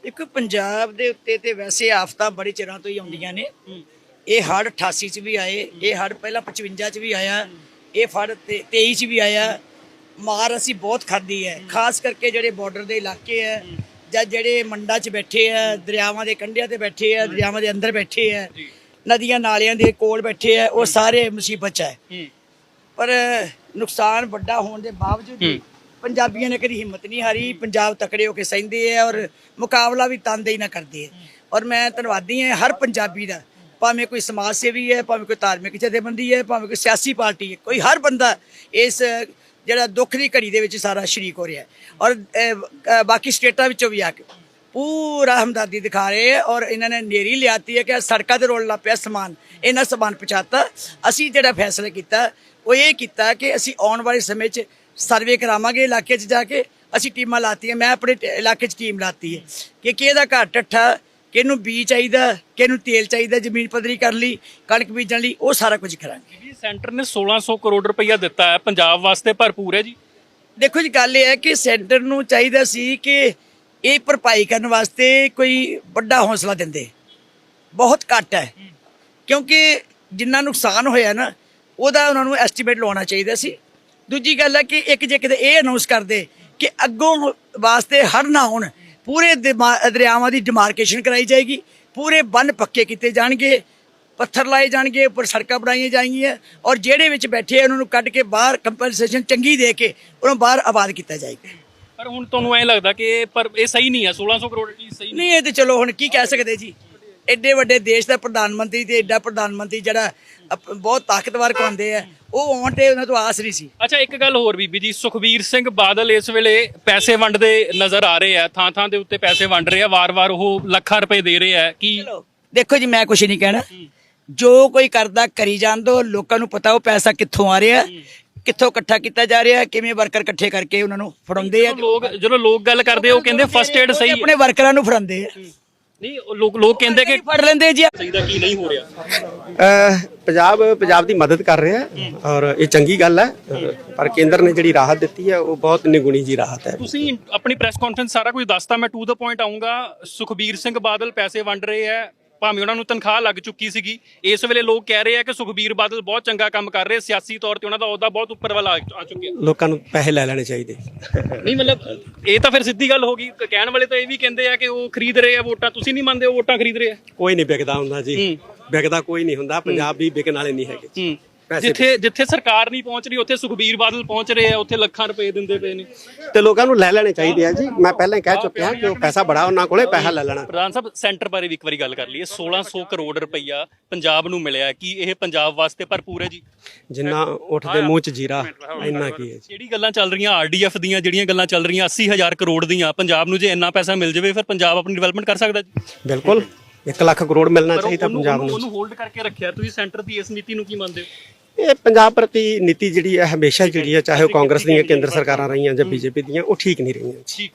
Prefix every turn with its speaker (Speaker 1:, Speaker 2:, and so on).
Speaker 1: ਇੱਕ ਪੰਜਾਬ ਦੇ ਉੱਤੇ ਤੇ ਵੈਸੇ ਆਫਤਾਂ ਬੜੇ ਚਿਰਾਂ ਤੋਂ ਹੀ ਆਉਂਦੀਆਂ ਨੇ। ਇਹ ਹੜ੍ਹ 88 ਚ ਵੀ ਆਏ, ਇਹ ਹੜ੍ਹ ਪਹਿਲਾਂ 55 ਚ ਵੀ ਆਇਆ, ਇਹ ਫੜ 23 ਚ ਵੀ ਆਇਆ। ਮਾਰ ਅਸੀਂ ਬਹੁਤ ਖਾਧੀ ਹੈ, ਖਾਸ ਕਰਕੇ ਜਿਹੜੇ ਬਾਰਡਰ ਦੇ ਇਲਾਕੇ ਹੈ ਜਾਂ ਜਿਹੜੇ ਮੰਡਾਂ 'ਚ ਬੈਠੇ ਆ, ਦਰਿਆਵਾਂ ਦੇ ਕੰਢਿਆਂ ਤੇ ਬੈਠੇ ਆ, ਦਰਿਆਵਾਂ ਦੇ ਅੰਦਰ ਬੈਠੇ ਆ, ਨਦੀਆਂ ਨਾਲਿਆਂ ਦੇ ਕੋਲ ਬੈਠੇ ਆ, ਉਹ ਸਾਰੇ ਮੁਸੀਬਤ 'ਚ ਹੈ। ਪਰ ਨੁਕਸਾਨ ਵੱਡਾ ਹੋਣ ਦੇ ਬਾਵਜੂਦ ਪੰਜਾਬੀਆਂ ਨੇ ਕਦੀ ਹਿੰਮਤ ਨਹੀਂ ਹਾਰੀ। ਪੰਜਾਬ ਤਕੜੇ ਹੋ ਕੇ ਸਹਿੰਦੇ ਆ ਔਰ ਮੁਕਾਬਲਾ ਵੀ ਤਨਦੇਹੀ ਨਾਲ ਕਰਦੇ ਆ। ਔਰ ਮੈਂ ਧੰਨਵਾਦੀ ਹਾਂ ਹਰ ਪੰਜਾਬੀ ਦਾ, ਭਾਵੇਂ ਕੋਈ ਸਮਾਜ ਸੇਵੀ ਹੈ, ਭਾਵੇਂ ਕੋਈ ਧਾਰਮਿਕ ਜਥੇਬੰਦੀ ਹੈ, ਭਾਵੇਂ ਕੋਈ ਸਿਆਸੀ ਪਾਰਟੀ ਹੈ, ਕੋਈ ਹਰ ਬੰਦਾ ਇਸ ਜਿਹੜਾ ਦੁੱਖ ਦੀ ਘੜੀ ਦੇ ਵਿੱਚ ਸਾਰਾ ਸ਼ਰੀਕ ਹੋ ਰਿਹਾ ਔਰ ਬਾਕੀ ਸਟੇਟਾਂ ਵਿੱਚੋਂ ਵੀ ਆ ਕੇ ਪੂਰਾ ਹਮਦਰਦੀ ਦਿਖਾ ਰਹੇ ਹੈ। ਔਰ ਇਹਨਾਂ ਨੇ ਨੇਰੀ ਲਿਆਤੀ ਹੈ ਕਿ ਸੜਕਾਂ ਤੇ ਰੋਲ ਲੱਗ ਪਿਆ ਸਮਾਨ, ਇਹਨਾਂ ਸਮਾਨ ਪਹੁੰਚਾਤਾ। ਅਸੀਂ ਜਿਹੜਾ ਫੈਸਲਾ ਕੀਤਾ ਉਹ ਇਹ ਕੀਤਾ ਕਿ ਅਸੀਂ ਆਉਣ ਵਾਲੇ ਸਮੇਂ 'ਚ ਸਰਵੇ ਕਰਾਵਾਂਗੇ ਇਲਾਕੇ 'ਚ ਜਾ ਕੇ। ਅਸੀਂ ਟੀਮਾਂ ਲਾਤੀਆਂ, ਮੈਂ ਆਪਣੇ ਇਲਾਕੇ 'ਚ ਟੀਮ ਲਾਤੀ ਹੈ ਕਿ ਕਿਹਦਾ ਘਰ ਟੱਠਾ, ਕਿਹਨੂੰ ਬੀਜ ਚਾਹੀਦਾ, ਕਿਹਨੂੰ ਤੇਲ ਚਾਹੀਦਾ, ਜ਼ਮੀਨ ਪੱਧਰੀ ਕਰਨ ਲਈ, ਕਣਕ ਬੀਜਣ ਲਈ, ਉਹ ਸਾਰਾ ਕੁਝ ਕਰਾਂਗੇ।
Speaker 2: ਜੀ ਸੈਂਟਰ ਨੇ 1600 ਕਰੋੜ ਰੁਪਈਆ ਦਿੱਤਾ ਹੈ, ਪੰਜਾਬ ਵਾਸਤੇ ਭਰਪੂਰ ਹੈ ਜੀ।
Speaker 1: ਦੇਖੋ ਜੀ, ਗੱਲ ਇਹ ਹੈ ਕਿ ਸੈਂਟਰ ਨੂੰ ਚਾਹੀਦਾ ਸੀ ਕਿ ਇਹ ਭਰਪਾਈ ਕਰਨ ਵਾਸਤੇ ਕੋਈ ਵੱਡਾ ਹੌਸਲਾ ਦਿੰਦੇ। ਬਹੁਤ ਘੱਟ ਹੈ, ਕਿਉਂਕਿ ਜਿੰਨਾ ਨੁਕਸਾਨ ਹੋਇਆ ਨਾ ਉਹਦਾ ਉਹਨਾਂ ਨੂੰ ਐਸਟੀਮੇਟ ਲਾਉਣਾ ਚਾਹੀਦਾ ਸੀ। ਦੂਜੀ ਗੱਲ ਹੈ ਕਿ ਇੱਕ ਜੇ ਕਿਤੇ ਇਹ ਅਨਾਉਂਸ ਕਰਦੇ ਕਿ ਅੱਗੋਂ ਵਾਸਤੇ ਹੜ੍ਹ ਨਾ ਹੋਣ, ਪੂਰੇ ਦਰਿਆਵਾਂ ਦੀ ਡਿਮਾਰਕੇਸ਼ਨ ਕਰਾਈ ਜਾਏਗੀ, ਪੂਰੇ ਬੰਨ ਪੱਕੇ ਕੀਤੇ ਜਾਣਗੇ, ਪੱਥਰ ਲਾਏ ਜਾਣਗੇ, ਉੱਪਰ ਸੜਕਾਂ ਬਣਾਈਆਂ ਜਾਣਗੀਆਂ ਔਰ ਜਿਹੜੇ ਵਿੱਚ ਬੈਠੇ ਉਹਨਾਂ ਨੂੰ ਕੱਢ ਕੇ ਬਾਹਰ ਕੰਪਨਸੇਸ਼ਨ ਚੰਗੀ ਦੇ ਕੇ ਉਹਨਾਂ ਨੂੰ ਬਾਹਰ ਆਬਾਦ ਕੀਤਾ ਜਾਏਗਾ।
Speaker 2: ਪਰ ਹੁਣ ਤੁਹਾਨੂੰ ਐਂ ਲੱਗਦਾ ਕਿ ਪਰ ਇਹ ਸਹੀ ਨਹੀਂ ਹੈ, 1600 ਕਰੋੜ ਕੀ ਸਹੀ
Speaker 1: ਨਹੀਂ? ਇਹ ਤੇ ਚਲੋ ਹੁਣ ਕੀ ਕਹਿ ਸਕਦੇ ਜੀ, ਐਡੇ ਵੱਡੇ ਦੇਸ਼ ਦਾ ਪ੍ਰਧਾਨ ਮੰਤਰੀ ਤੇ ਐਡਾ ਪ੍ਰਧਾਨ ਮੰਤਰੀ ਜਿਹੜਾ ਬਹੁਤ ਤਾਕਤਵਰ ਕਹਿੰਦੇ ਆ, ਉਹ ਆਉਣ ਤੇ ਉਹਨਾਂ ਤੋਂ ਆਸ ਨਹੀਂ ਸੀ।
Speaker 2: ਅੱਛਾ, ਇੱਕ ਗੱਲ ਹੋਰ ਬੀਬੀ ਜੀ, ਸੁਖਬੀਰ ਸਿੰਘ ਬਾਦਲ ਇਸ ਵੇਲੇ ਪੈਸੇ ਵੰਡਦੇ ਨਜ਼ਰ ਆ ਰਹੇ ਆ, ਥਾਂ ਥਾਂ ਦੇ ਉੱਤੇ ਪੈਸੇ ਵੰਡ ਰਹੇ ਆ, ਵਾਰ-ਵਾਰ ਉਹ ਲੱਖਾਂ ਰੁਪਏ ਦੇ ਰਹੇ ਆ। ਕੀ
Speaker 1: ਦੇਖੋ ਜੀ, ਮੈਂ ਕੁਝ ਨਹੀਂ ਕਹਿਣਾ, ਜੋ ਕੋਈ ਕਰਦਾ ਕਰੀ ਜਾਣ ਦੋ। ਲੋਕਾਂ ਨੂੰ ਪਤਾ ਉਹ ਪੈਸਾ ਕਿੱਥੋਂ ਆ ਰਿਹਾ, ਕਿੱਥੋਂ ਇਕੱਠਾ ਕੀਤਾ ਜਾ ਰਿਹਾ, ਕਿਵੇਂ ਵਰਕਰ ਇਕੱਠੇ ਕਰਕੇ ਉਹਨਾਂ ਨੂੰ ਫੜਾਉਂਦੇ ਆ।
Speaker 2: ਜਦੋਂ ਲੋਕ ਗੱਲ ਕਰਦੇ ਉਹ ਕਹਿੰਦੇ ਫਸਟ ਏਡ ਸਹੀ,
Speaker 1: ਆਪਣੇ ਵਰਕਰਾਂ ਨੂੰ ਫੜਾਉਂਦੇ ਆ।
Speaker 2: ਨਹੀਂ, ਲੋਕ ਕਹਿੰਦੇ ਕਿ
Speaker 1: ਫੜ ਲੈਂਦੇ ਜੀ।
Speaker 2: ਚਾਹੀਦਾ ਕੀ ਨਹੀਂ ਹੋ ਰਿਹਾ।
Speaker 3: ਪੰਜਾਬ ਦੀ ਮਦਦ ਕਰ ਰਿਹਾ ਹੈ ਔਰ ਇਹ ਚੰਗੀ ਗੱਲ ਹੈ, ਪਰ ਕੇਂਦਰ ਨੇ ਜਿਹੜੀ ਰਾਹਤ ਦਿੱਤੀ ਹੈ ਉਹ ਬਹੁਤ ਨਿਗੁਣੀ ਜੀ ਰਾਹਤ ਹੈ।
Speaker 2: ਤੁਸੀਂ ਆਪਣੀ ਪ੍ਰੈਸ ਕਾਨਫਰੰਸ ਸਾਰਾ ਕੁਝ ਦੱਸਤਾ, ਮੈਂ ਟੂ ਦਾ ਪੁਆਇੰਟ ਆਉਂਗਾ। ਸੁਖਬੀਰ ਸਿੰਘ ਬਾਦਲ ਪੈਸੇ ਵੰਡ ਰਹੇ ਆ, ਭਾਵੇਂ ਉਹਨਾਂ ਨੂੰ ਤਨਖਾਹ ਲੱਗ ਚੁੱਕੀ ਸੀਗੀ। ਇਸ ਵੇਲੇ ਲੋਕ ਕਹਿ ਰਹੇ ਆ ਕਿ ਸੁਖਬੀਰ ਬਾਦਲ ਬਹੁਤ ਚੰਗਾ ਕੰਮ ਕਰ ਰਹੇ, ਸਿਆਸੀ ਤੌਰ ਤੇ ਉਹਨਾਂ ਦਾ ਅਹੁਦਾ ਬਹੁਤ ਉੱਪਰ ਵੱਲ ਆ ਚੁੱਕਿਆ।
Speaker 3: ਲੋਕਾਂ ਨੂੰ ਪੈਸੇ ਲੈ ਲੈਣੇ ਚਾਹੀਦੇ।
Speaker 2: ਨਹੀਂ ਮਤਲਬ ਇਹ ਤਾਂ ਫਿਰ ਸਿੱਧੀ ਗੱਲ ਹੋ ਗਈ। ਕਹਿਣ ਵਾਲੇ ਤਾਂ ਇਹ ਵੀ ਕਹਿੰਦੇ ਆ ਕਿ ਉਹ ਖਰੀਦ ਰਹੇ ਆ ਵੋਟਾਂ, ਤੁਸੀਂ ਨਹੀਂ ਮੰਨਦੇ ਉਹ ਵੋਟਾਂ ਖਰੀਦ ਰਹੇ ਆ?
Speaker 3: ਕੋਈ ਨਹੀਂ ਵਿਕਦਾ ਹੁੰਦਾ ਜੀ, ਵਿਕਦਾ ਕੋਈ ਨਹੀਂ ਹੁੰਦਾ। ਪੰਜਾਬ ਵੀ ਵਿਕਣ ਵਾਲੇ ਨਹੀਂ ਹੈਗੇ।
Speaker 2: ਜਿੱਥੇ ਸਰਕਾਰ ਨਹੀਂ ਪਹੁੰਚ ਰਹੀ ਉੱਥੇ ਸੁਖਬੀਰ ਬਾਦਲ ਪਹੁੰਚ ਰਹੇ ਆ, ਉੱਥੇ ਲੱਖਾਂ ਰੁਪਏ ਦਿੰਦੇ ਪਏ ਨੇ।
Speaker 3: ਤੇ ਲੋਕਾਂ ਨੂੰ ਲੈ ਲੈਣੇ ਚਾਹੀਦੇ ਆ ਜੀ। ਮੈਂ ਪਹਿਲਾਂ ਹੀ ਕਹਿ ਚੁੱਕਿਆ ਕਿ ਉਹ ਪੈਸਾ ਬੜਾ ਉਹਨਾਂ ਕੋਲੇ, ਪੈਸਾ ਲੈ ਲੈਣਾ।
Speaker 2: ਪ੍ਰਧਾਨ ਸਾਹਿਬ, ਸੈਂਟਰ ਬਾਰੇ ਵੀ ਇੱਕ ਵਾਰੀ ਗੱਲ ਕਰ ਲਈਏ। 1600 ਕਰੋੜ ਰੁਪਈਆ ਪੰਜਾਬ ਨੂੰ ਮਿਲਿਆ, ਕੀ ਇਹ ਪੰਜਾਬ ਵਾਸਤੇ ਭਰਪੂਰ ਹੈ ਜੀ?
Speaker 3: ਜਿੰਨਾ ਉੱਠ ਦੇ ਮੂੰਹ 'ਚ ਜੀਰਾ, ਇੰਨਾ ਕੀ ਹੈ ਜੀ।
Speaker 2: ਜਿਹੜੀ ਗੱਲਾਂ ਚੱਲ ਰਹੀਆਂ ਆਰਡੀਐਫ ਦੀਆਂ, ਜਿਹੜੀਆਂ ਗੱਲਾਂ ਚੱਲ ਰਹੀਆਂ 80,000 ਕਰੋੜ ਦੀਆਂ, ਪੰਜਾਬ ਨੂੰ ਜੇ ਇੰਨਾ ਪੈਸਾ ਮਿਲ ਜਾਵੇ ਫਿਰ ਪੰਜਾਬ ਆਪਣੀ ਡਿਵੈਲਪਮੈਂਟ ਕਰ ਸਕਦਾ ਜੀ?
Speaker 3: ਬਿਲਕੁਲ, 1 ਲੱਖ ਕਰੋੜ ਮਿਲਣਾ ਚਾਹੀਦਾ ਪੰਜਾਬ ਨੂੰ।
Speaker 2: ਉਹਨੂੰ ਹੋਲਡ ਕਰਕੇ ਰੱਖਿਆ ਤੁਸੀਂ। ਸੈਂਟਰ ਦੀ ਇਸ ਨੀਤੀ ਨੂੰ ਕੀ ਮੰਨਦੇ ਹੋ?
Speaker 3: ਇਹ ਪੰਜਾਬ ਪ੍ਰਤੀ ਨੀਤੀ ਜਿਹੜੀ ਹੈ ਹਮੇਸ਼ਾ ਜਿਹੜੀ ਹੈ, ਚਾਹੇ ਉਹ ਕਾਂਗਰਸ ਦੀਆਂ ਕੇਂਦਰ ਸਰਕਾਰਾਂ ਰਹੀਆਂ ਜਾਂ ਬੀਜੇਪੀ ਦੀਆਂ, ਉਹ ਠੀਕ ਨਹੀਂ ਰਹੀਆਂ।